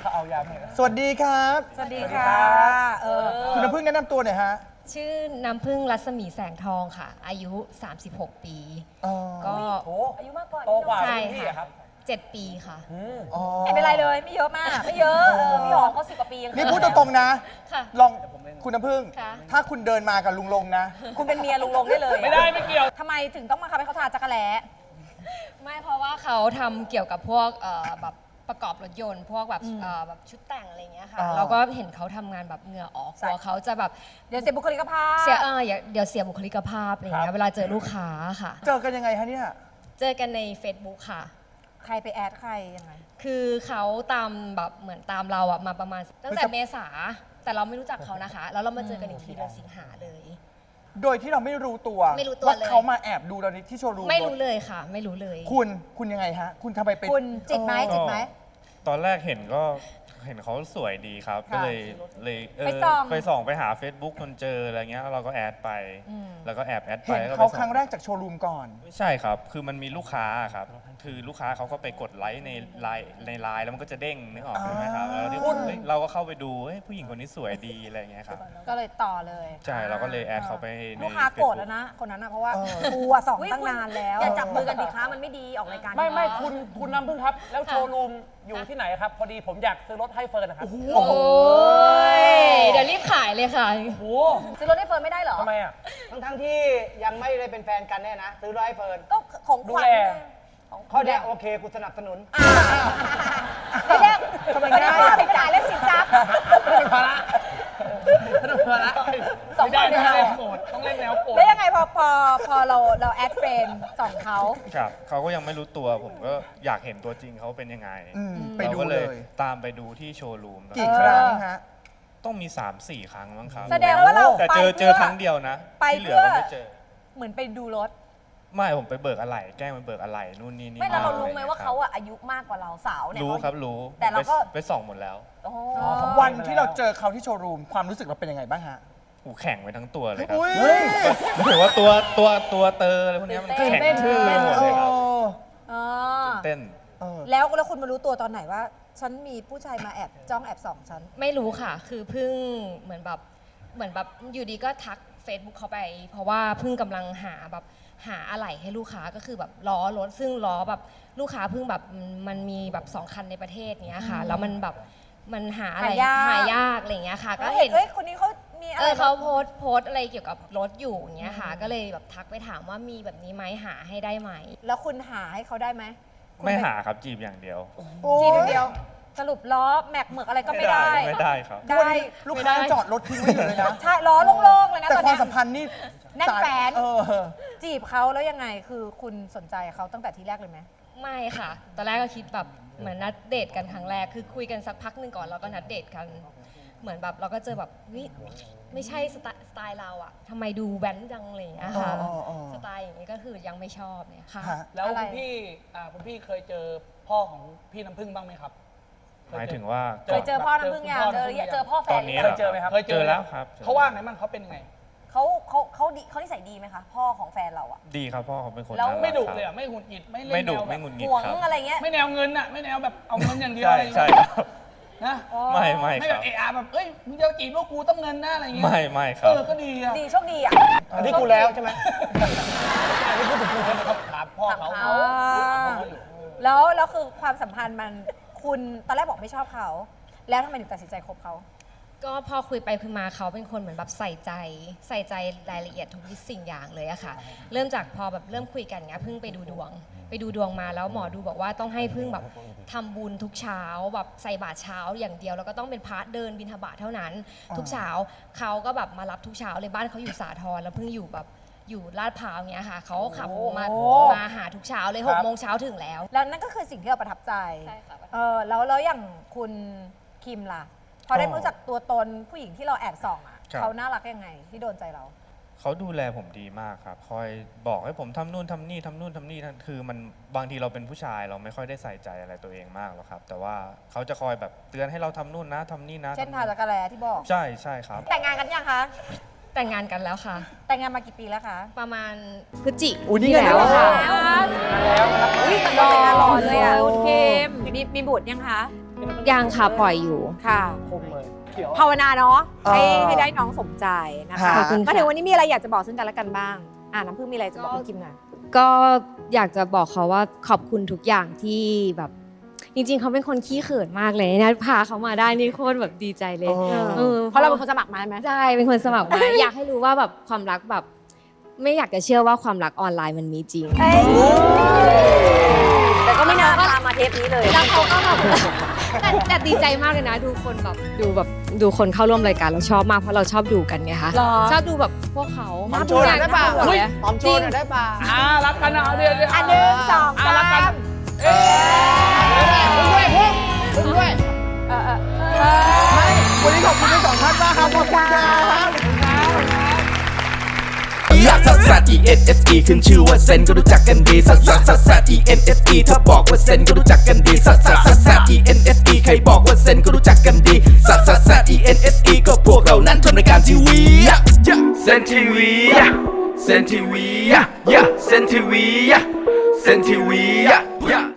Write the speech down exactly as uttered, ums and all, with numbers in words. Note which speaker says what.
Speaker 1: เขาเอายาให้
Speaker 2: สวัสดีครับ
Speaker 3: สวัสดีค่ะเออ
Speaker 2: คุณน้ำพึ่งแนะนำตัวหน่อยฮะ
Speaker 4: ชื่อน้ำพึ่งรัศมีแสงทองค่ะอายุสามสิบหกปีก็
Speaker 1: อายุมากกว่าโตกว่าใช่ค่ะ
Speaker 4: เจ็ดปีค่ะ
Speaker 3: ไม่เป็นไรเลยไม่เยอะมากไม่เยอะพี่หอมเขาสิบกว่าปี
Speaker 2: นี่พูดตรงๆนะลองคุณน้ำพึ่งถ้าคุณเดินมากับลุงลงนะ
Speaker 3: คุณเป็นเมียลุงลงได้เลย
Speaker 1: ไม่ได้ไม่เกี่ยว
Speaker 3: ทำไมถึงต้องมาคับให้เขาทาจักรแล้
Speaker 4: ไม่เพราะว่าเขาทำเกี่ยวกับพวกแบบประกอบรถยนต์พวกแบบแบบชุดแต่งอะไรเงี้ยค่ะเราก็เห็นเขาทำงานแบบเหงื่อออกกลัวเขาจะแบบ
Speaker 3: เดี๋ยวเสียบุคลิกภาพ
Speaker 4: เสียเออเดี๋ยวเสียบุคลิกภาพอะไรเงี้ยเวลาเจอลูกค้าค่ะ
Speaker 2: เจอกันยังไงฮะเนี่ย
Speaker 4: เจอกันใน Facebook ค่ะ
Speaker 3: ใครไปแอดใครยังไง
Speaker 4: คือเขาตามแบบเหมือนตามเราอะมาประมาณตั้งแต่เมษาแต่เราไม่รู้จักเขานะคะแล้วเรามาเจอกันอีกทีเดือนสิงหาเลย
Speaker 2: โดยที่เราไม่รู้ตัว
Speaker 4: ไม่รู้ตัว
Speaker 2: ว่าเขามาแอบดูเราที่โชว์รูม
Speaker 4: ไม่รู้เลยค่ะไม่รู้เลย
Speaker 2: คุณคุณยังไงฮะคุณทำไมเป็น
Speaker 3: คุณจิตไหมจิตไหม
Speaker 5: ตอนแรกเห็นก็เห็นเขาสวยดีครับก็เลยเลยเออไปส่องไปหา Facebook จนเจออะไรเงี้ยเราก็แอดไปแล้วก็แอบแอดไป
Speaker 2: เห็นเขาครั้งแรกจากโชว์รูมก่อน
Speaker 5: ไม่ใช่ครับคือมันมีลูกค้าครับคือลูกค้าเขาก็ไปกดไลค์ในไลน์ในไลน์แล้วมันก็จะเด้งนึกออกไหมครับแล้วเราก็เข้าไปดูผู้หญิงคนนี้สวยดีอะไรเงี้ยครับ
Speaker 3: ก็เลยต่อเลย
Speaker 5: ใช่เราก็เลยแอดเขาไปใน
Speaker 3: ลูกค้าโกรธแล้วนะคนนั้นนะเพราะว่ากูสองตั้งนานแล้วอย่าจับมือกันดิคะมันไม่ดีออกรายการ
Speaker 1: ไม่ไม่คุณคุณน้ำพึ่งครับแล้วโชว์รูมอยู่ที่ไหนครับพอดีผมอยากซื้อรถให้เฟิร์นนะครับ
Speaker 4: โอ้โหเดี๋ยวรีบขายเลยค่ะ
Speaker 1: โอ้โห
Speaker 3: ซื้อรถให้เฟิร์นไม่ได้เหรอ
Speaker 1: ทำไมอ่ะ
Speaker 6: ทั้งทั้งที่ยังไม่ได้เป็นแฟนกันเนี่ยนะซื้อรถให้เฟิร์น
Speaker 3: ก็ของขวัญ
Speaker 6: ข้อเนี้ยโอเคกูสนับสนุน
Speaker 3: ไม่ได้ทำไมไม่ได้ไปจ่ายเรื่องสินทรัพย์
Speaker 1: ไม่เป็นภาระไม่เป็นภาระสองคนเนี่ยโกรธต้องเล่นแนวโกรธ
Speaker 3: แล้วยังไงพอพอพอเราเราแอดเฟรนด์ส่องเขา
Speaker 5: ครับเขาก็ยังไม่รู้ตัวผมก็อยากเห็นตัวจริงเขาเป็นยังไง
Speaker 2: ไปดูเลย
Speaker 5: ตามไปดูที่โชว์รูม
Speaker 2: กี่ครั้งฮะ
Speaker 5: ต้องมี สามสี่ ครั้งมั้งครับ
Speaker 3: แสดงว่าเรา
Speaker 5: แต่เจอเจอครั้งเดียวนะที่เหลือก็ไม่เจอ
Speaker 3: เหมือนไปดูรถ
Speaker 5: ไม่ผมไปเบิกอะไรแกล้งไปเบิกอะไรนู่นนี่นี่
Speaker 3: ไม่เรารู้ไหมว่าเขาอะอายุมากกว่าเราสาวเนี่ย
Speaker 5: รู้ครับรู้
Speaker 3: แต่เราก็
Speaker 5: ไปส่องหมดแล้ว
Speaker 2: วันที่เราเจอเขาที่โชว์รูมความรู้สึกเราเป็นยังไงบ้างฮะ
Speaker 5: หูแข็งไปทั้งตัวเลยครับหรือว่าตัวตัวตัวเตออะไรพวกนี้มันแข็งทื่อหมดเลยครับเต้น
Speaker 3: แล้วแล้วคุณมารู้ตัวตอนไหนว่าฉันมีผู้ชายมาแอบจ้องแอบส่องฉัน
Speaker 4: ไม่รู้ค่ะคือเพิ่งเหมือนแบบเหมือนแบบอยู่ดีก็ทัก Facebook เขาไปเพราะว่าเพิ่งกำลังหาแบบหาอะไหล่ให้ลูกค้าก็คือแบบล้อรถซึ่งล้อแบบลูกค้าเพิ่งแบบมันมีแบบสองคันในประเทศเนี้ยค่ะแล้วมันแบบมันหาอะไรหายากอะไรเงี้ยค่ะก็เห็น
Speaker 3: เอ้ยคนนี้เขามีอะไร
Speaker 4: เขาโพสโพสอะไรเกี่ยวกับรถอยู่อย่างเงี้ยค่ะก็เลยแบบทักไปถามว่ามีแบบนี้ไหมหาให้ได้ไหม
Speaker 3: แล้วคุณหาให้เขาได้ไหม
Speaker 5: ไม่หาครับจีบอย่างเดียว
Speaker 3: จีบอย่างเดียวสรุปล้อแม็กเหมือกอะไรก็ไม่ได้
Speaker 5: ไม่ได้ครับ
Speaker 3: ได้
Speaker 2: ลูกค้าจอดรถทิ้งไว้อยู่เลยนะ
Speaker 3: ใช่ล้อโล่งๆเลยนะ
Speaker 2: แต่ความสัมพันธ์นี่
Speaker 3: แน่นแฟนจีบเขาแล้วยังไงคือคุณสนใจเขาตั้งแต่ทีแรกเลยไหม
Speaker 4: ไม่ค่ะตอนแรกก็คิดแบบเหมือนนัดเดทกันครั้งแรกคือคุยกันสักพักหนึ่งก่อนแล้วก็นัดเดทกันเหมือนแบบเราก็เจอแบบวิไม่ใช่สไตล์เราอะทำไมดูแว้นจังเลยอะค่ะสไตล์อย่างนี้ก็คือยังไม่ชอบเนี่ยค่ะ
Speaker 1: แล้วคุณพี่คุณพี่เคยเจอพ่อของพี่น้ำพึ่งบ้างไหมครับ
Speaker 5: หมายถึงว่า
Speaker 3: เคยเจอพ่อน้ำพึ่งยังเจอเจอพ่อแฟน
Speaker 5: เคยเจอไหมครับ
Speaker 1: เคยเจอแล้วครับเขาว่าไงบ้างเขาเป็นไง
Speaker 3: เขาเขาเขาดีเขานิสัยดีไหมคะพ่อของแฟนเราอะ
Speaker 5: ดีครับพ่อเขาเป็นคน
Speaker 1: แล้วไม่ดุเลยอะไม่หงุดหงิดไม่เล่นแนว
Speaker 5: ไม่หงุดหงิด
Speaker 3: หวงอะไรเงี้ย
Speaker 1: ไม่แนวเงินอะไม่แนวแบบเอาเงินอย่างเดียว
Speaker 5: ใช่ใช่
Speaker 1: นะ
Speaker 5: ไม่ไม่
Speaker 1: ไม่แบบเออาแบบเอ้ยมึงจะจีบลูกกูต้องเงินหน้าอะไรเงี้ย
Speaker 5: ไม่ไม่ครับ
Speaker 1: เออก็ดีอะ
Speaker 3: ดีโชคดีอะ
Speaker 6: อันนี้กูแล้วใช่ไหม
Speaker 1: อันนี้พูดถึงกูครับถามพ่อเขา
Speaker 3: แล้วแล้วคือความสัมพันธ์มันคุณตอนแรกบอกไม่ชอบเขาแล้วทำไมถึงตัดสินใจคบเขา
Speaker 4: ก็พอคุยไปคุยมาเขาเป็นคนเหมือนแบบใส่ใจใส่ใจรายละเอียดทุกสิ่งอย่างเลยอะค่ะเริ่มจากพอแบบเริ่มคุยกันเงี้ยเพิ่งไปดูดวงไปดูดวงมาแล้วหมอดูบอกว่าต้องให้เพิ่งแบบทำบุญทุกเช้าแบบใส่บาตรเช้าอย่างเดียวแล้วก็ต้องเป็นพระเดินบิณฑบาตเท่านั้นทุกเช้าเขาก็แบบมารับทุกเช้าเลยบ้านเขาอยู่สาทรแล้วเพิ่งอยู่แบบอยู่ลาดพร้าวเงี้ยค่ะเขาขับมามาหาทุกเช้าเลยหกโมงเช้าถึงแล้ว
Speaker 3: แล้วนั่นก็คือสิ่งที่เราประทับใจใช่ค่ะเออแล้วแล้วอย่างคุณคิมล่ะพอได้รู้จักตัวตนผู้หญิงที่เราแอบส่องอ่ะเขาน่ารักยังไงที่โดนใจเรา
Speaker 5: เขาดูแลผมดีมากครับคอยบอกให้ผมทำนู่นทำนี่ทำนู่นทำนี่คือมันบางทีเราเป็นผู้ชายเราไม่ค่อยได้ใส่ใจอะไรตัวเองมากหรอกครับแต่ว่าเขาจะคอยแบบเตือนให้เราทำนู่นนะทำนี่นะ
Speaker 3: เช่นทาจักรแลที่บอก
Speaker 5: ใช่ใช่ครับ
Speaker 3: แต่งงานกันยังคะ
Speaker 4: แต่งงานกันแล้วค่ะ
Speaker 3: แต่งงานมากี่ปีแล้วคะ
Speaker 4: ประมาณพฤศจิก
Speaker 2: ายนแล้ว
Speaker 3: ค่ะ
Speaker 1: แล้ว
Speaker 3: อุ้ยแต่งงานหล่อเลยอ่ะคุณเคมมีมีบุตรยังคะ
Speaker 1: ย
Speaker 6: นี่มันต้อง
Speaker 7: ยังค่ะปล่อยอยู่
Speaker 3: ค่ะ
Speaker 6: คมเลยเขียว
Speaker 3: ภาวนาเนาะให้
Speaker 2: เออ
Speaker 3: ให้ได้น้องสมใจนะคะ
Speaker 2: ขอบคุณ
Speaker 3: มาถึงวันนี้มีอะไรอยากจะบอกซึ่งกันและกันบ้างอ่าน้ำพึ่งมีอะไรจะบอกคุณคิมหน่อย
Speaker 7: ก็อยากจะบอกเขาว่าขอบคุณทุกอย่างที่แบบจริงๆเขาเป็นคนขี้เขินมากเลยนะพาเขามาได้นี่โคตรแบบดีใจเลย
Speaker 2: เออ
Speaker 7: ออ
Speaker 3: เพราะเราเป็นคนสมัครมาใช่ไหม
Speaker 7: ใช่เป็นคนสมัครมา อยากให้รู้ว่าแบบความรักแบบ ไม่อยากจะเชื่อว่าความรักออนไลน์มันมีจริง
Speaker 3: เอ้ยแต่ก็ไม่น่าพามาเทปนี้เลย
Speaker 7: แล้วเขาก็แบบแต่แต่ดีใจมากเลยนะ ดูคนแบบดูแบบดูคนเข้าร่วมรายการเราชอบมากเพราะเราชอบดูกันไงคะ
Speaker 3: หรอ
Speaker 7: ชอบดูแบบพวกเขา
Speaker 6: หอมโชว์หน่อยได้ป่ะ
Speaker 7: น่าดูเลย
Speaker 6: หอมโชว์หน่อยได้ป่ะ
Speaker 1: อ่ารักกันเอาเดี๋ยวเดี๋ยว
Speaker 3: อันหนึ่งสอง
Speaker 1: อ่า
Speaker 3: สา
Speaker 1: รักกัน
Speaker 3: ม
Speaker 6: คุณด้วยพวกคุณด้วย
Speaker 3: เออเออเออ
Speaker 2: วันนี้ขอบคุณทั้งสองท่านมากครับขอบคุณครับ
Speaker 8: ลักซัสซัส E N S E ขึ้นชื่อว่าเซนก็รู้จักกันดีซัสซัสซัสซัส E N S E ถ้าบอกว่าเซนก็รู้จักกันดีซัสซัสซัสซัส E N S E ใครบอกว่าเซนก็รู้จักกันดีซัสซัสซัส E N S E ก็พวกเรานั้นทำรายการทีวีเซนทีวีเซนทีวีเซนทีวีเซนทีวี